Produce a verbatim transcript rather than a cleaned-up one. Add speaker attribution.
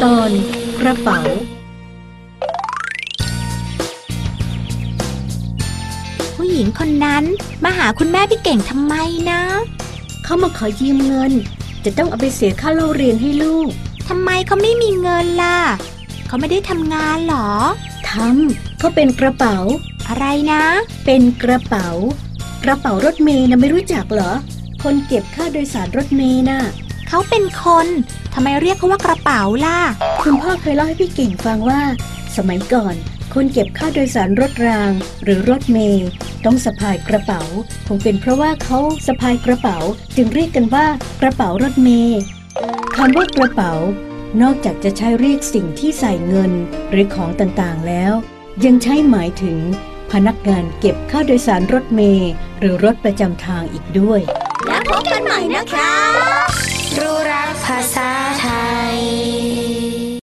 Speaker 1: ตอนกระเป๋า
Speaker 2: ผู้หญิงคนนั้นมาหาคุณแม่พี่เก่งทำไมนะ
Speaker 1: เขามาขอยืมเงินจะต้องเอาไปเสียค่าเล่าเรียนให้ลูก
Speaker 2: ทำไมเขาไม่มีเงินล่ะเขาไม่ได้ทำงานหรอ
Speaker 1: ทำเขาเป็นกระเป๋า
Speaker 2: อะไรนะ
Speaker 1: เป็นกระเป๋ากระเป๋ารถเมล์นะไม่รู้จักเหรอคนเก็บค่าโดยสารรถเมล์น่ะ
Speaker 2: เขาเป็นคนทำไมเรียกเขาว่ากระเป๋าล่ะ
Speaker 1: คุณพ่อเคยเล่าให้พี่เก่งฟังว่าสมัยก่อนคนเก็บค่าโดยสารรถรางหรือรถเมล์ต้องสะพายกระเป๋าคงเป็นเพราะว่าเขาสะพายกระเป๋าจึงเรียกกันว่ากระเป๋ารถเมล์คำว่ากระเป๋านอกจากจะใช้เรียกสิ่งที่ใส่เงินหรือของต่างๆแล้วยังใช้หมายถึงพนักงานเก็บค่าโดยสารรถเมล์หรือรถประจำทางอีกด้วย
Speaker 2: แล้วพบกันใหม่นะคะรู้รักภาษาไทย